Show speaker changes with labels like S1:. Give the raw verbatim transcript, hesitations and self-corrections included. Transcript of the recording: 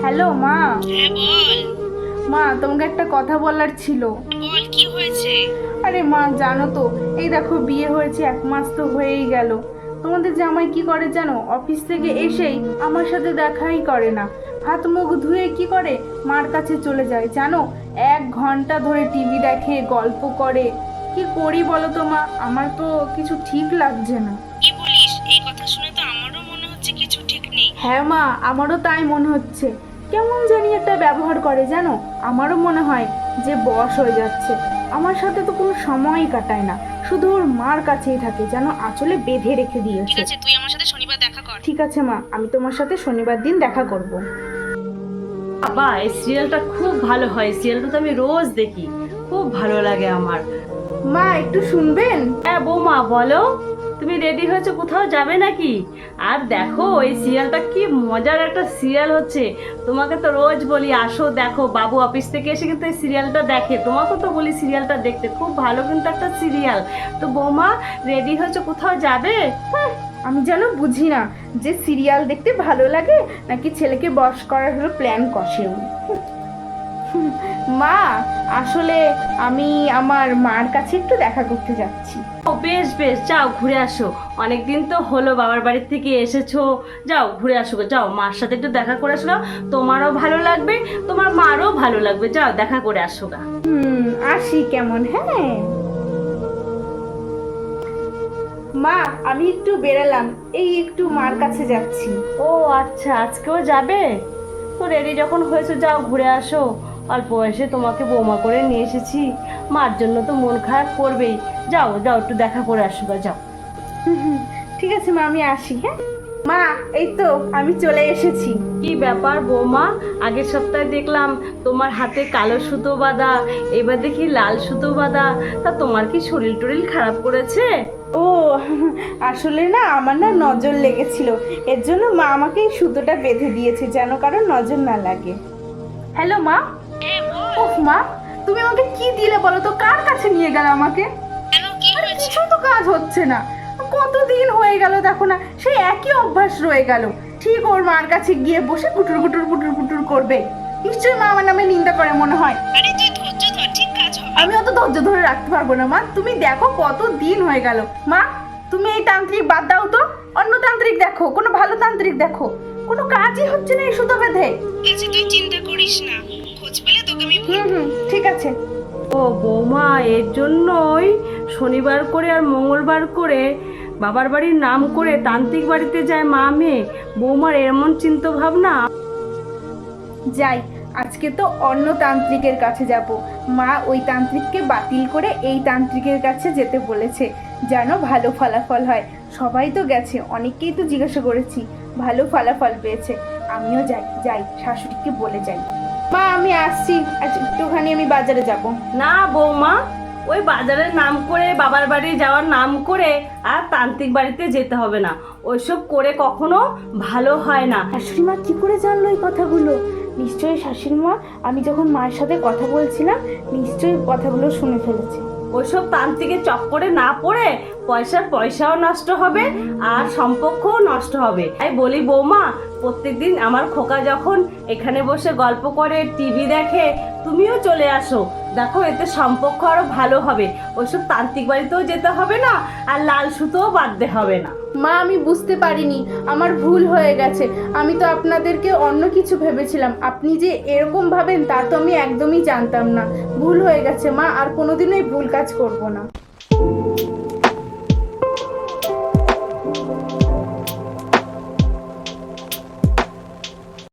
S1: Hello মা।
S2: হ্যাঁ বল।
S1: মা তোমাকে একটা কথা বলার ছিল।
S2: বল কি হয়েছে?
S1: আরে মা জানো তো, এই দেখো বিয়ে হয়েছে এক মাস তো হয়েই গেল। তোমাদের জামাই কি করে জানো, অফিস থেকে এসেই আমার সাথে দেখাই করে না। হাত মুখ ধুয়ে কি করে, মার কাছে চলে যায় জানো। এক ঘন্টা ধরে টিভি দেখে, গল্প করে। কি করি বলো তো মা, আমার তো কিছু ঠিক লাগছে না।
S2: কি বলিস? এই কথা শুনে তো আমারও মনে হচ্ছে কিছু ঠিক নেই।
S1: হ্যাঁ মা, আমারও তাই মনে হচ্ছে। কেমন জানি একটা ব্যবহার করে জানো, আমারও মনে হয় যে বশ হয়ে যাচ্ছে। আমার সাথে তো কোনো সময়ই কাটায় না, শুধু ওর মার কাছেই থাকে, যেন আঁচলে বেঁধে রেখে
S2: ঠিক
S1: দিয়েছে।
S2: আছে, তুই আমার সাথে শনিবার দেখা কর।
S1: ঠিক আছে মা, আমি তোমার সাথে শনিবার দিন দেখা করব।
S3: বাবা, এই সিরিয়ালটা খুব ভালো হয়। সিরিয়ালটা তো আমি রোজ দেখি, খুব ভালো লাগে আমার।
S1: মা একটু শুনবেন?
S3: হ্যাঁ বৌমা বলো, তুমি রেডি হয়েছো, কোথাও যাবে নাকি? আর দেখো এই সিরিয়ালটা কি মজার একটা সিরিয়াল হচ্ছে। তোমাকে তো রোজ বলি আসো দেখো, বাবু অফিস থেকে এসে কিন্তু এই সিরিয়ালটা দেখে। তোমাকে তো বলি সিরিয়ালটা দেখতে, খুব ভালো কিন্তু একটা সিরিয়াল। তো বৌমা রেডি হয়েছো, কোথাও যাবে?
S1: হ্যাঁ, আমি যেন বুঝি না যে সিরিয়াল দেখতে ভালো লাগে নাকি ছেলেকে বশ করার হলো প্ল্যান কষেও। মা আসলে আমি আমার মার কাছে একটু দেখা করতে যাচ্ছি।
S3: ও বেশ বেশ, যাও ঘুরে আসো। অনেকদিন তো হলো বাবার বাড়ির থেকে এসেছো, যাও ঘুরে আসো গো, যাও মার সাথে একটু দেখা করে আসো গা। তোমারও ভালো লাগবে, তোমার মারও ভালো লাগবে, যাও দেখা করে আসো গা।
S1: হুম, আসি কেমন। হ্যাঁ মা, আমি একটু বেরালাম, এই একটু মার কাছে যাচ্ছি।
S3: ও আচ্ছা, আজকেও যাবে? তো রেডি যখন হয়েছে যাও ঘুরে আসো। অল্প বয়সে তোমাকে বৌমা করে নিয়ে এসেছি, মার জন্য তো মন খারাপ করবেই। যাও যাও একটু দেখা করে আসো গা, যাও।
S1: হুম, হুম, ঠিক আছে মা, আমি আসি। হ্যাঁ মা, এই তো আমি চলে এসেছি।
S3: কি ব্যাপার বৌমা, আগের সপ্তাহে দেখলাম তোমার হাতে কালো সুতো বাঁধা, এবার দেখি লাল সুতো বাঁধা। তা তোমার কি শরীর টরিল খারাপ করেছে?
S1: ও আসলে না, আমার না নজর লেগেছিল, এর জন্য মা আমাকে এই সুতোটা বেঁধে দিয়েছে যেন কারণ নজর না লাগে। হ্যালো মা।
S2: হ্যাঁ বল।
S1: ওহ মা, তুমি আমাকে কি দিলে বলো তো, কার কাছে নিয়ে গেলে আমাকে?
S2: কেন, কি
S1: আরে
S2: হয়েছে?
S1: কিছু তো কাজ হচ্ছে না, কতদিন হয়ে গেল দেখো না, সেই একই অভ্যাস রয়ে গেল। ঠিক ওর মার কাছে গিয়ে বসে কুটুর কুটুর কুটুর কুটুর করবে। নিশ্চয়ই মা আমার নামে নিন্দা করে মনে হয়।
S2: আরে তুই ধৈর্য ধর, ঠিক কাজ হবে।
S1: আমি অত ধৈর্য ধরে রাখতে পারবো না মা, তুমি দেখো কত দিন হয়ে গেল। মা তুমি এই তান্ত্রিক বাদ দাও তো, অন্য তান্ত্রিক দেখো, কোনো ভালো তান্ত্রিক দেখো। কোনো কাজই হচ্ছে না এই সুতো বেঁধে।
S2: ঠিক আছে, তুই চিন্তা করিস না, খোঁজ পেলে তোকে আমি
S1: হুম
S2: বলবো।
S1: হুম, ঠিক আছে।
S3: ও বৌমা, এর জন্যই শনিবার করে আর মঙ্গলবার করে বাবার বাড়ির নাম করে তান্ত্রিক বাড়িতে যায় মা মেয়ে। বৌমার এমন চিন্তা ভাবনা।
S1: যাই, আজকে তো অন্য তান্ত্রিকের কাছে যাব। মা ওই তান্ত্রিককে বাতিল করে এই তান্ত্রিকের কাছে যেতে বলেছে, যেন ভালো ফলাফল হয়। সবাই তো গেছে, অনেককেই তো জিজ্ঞাসা করেছি, ভালো ফলাফল পেয়েছে। আমিও যাই, যাই শাশুড়িকে বলে যাই। মা আমি আসছি, আজ একটুখানি আমি বাজারে যাব।
S3: না বৌমা, ওই বাজারের নাম করে বাবার বাড়ি যাওয়ার নাম করে আর তান্ত্রিক বাড়িতে যেতে হবে না। ওইসব করে কখনো ভালো হয় না।
S1: শাশুড়ি মা কি করে জানলো এই কথাগুলো? নিশ্চয়ই শাশুড়ি মা, আমি যখন মায়ের সাথে কথা বলছিলাম, নিশ্চয়ই কথাগুলো শুনে ফেলেছে।
S3: ওইসব তান্ত্রিকের চক্করে না পড়ে পয়সার পয়সাও নষ্ট হবে আর সম্পর্কও নষ্ট হবে। তাই বলি বৌমা, প্রত্যেকদিন আমার খোকা যখন এখানে বসে গল্প করে টিভি দেখে, তুমিও চলে আসো, দেখো এতে সম্পর্ক আরো ভালো হবে। ওইসব তান্ত্রিক বাড়িতেও যেতে হবে না আর লাল সুতোও বাঁধতে হবে না।
S1: মা আমি বুঝতে পারিনি, আমার ভুল হয়ে গেছে। আমি তো আপনাদেরকে অন্য কিছু ভেবেছিলাম, আপনি যে এরকম ভাবেন তা তো আমি একদমই জানতাম না। ভুল হয়ে গেছে মা, আর কোনোদিনই ভুল কাজ করব না।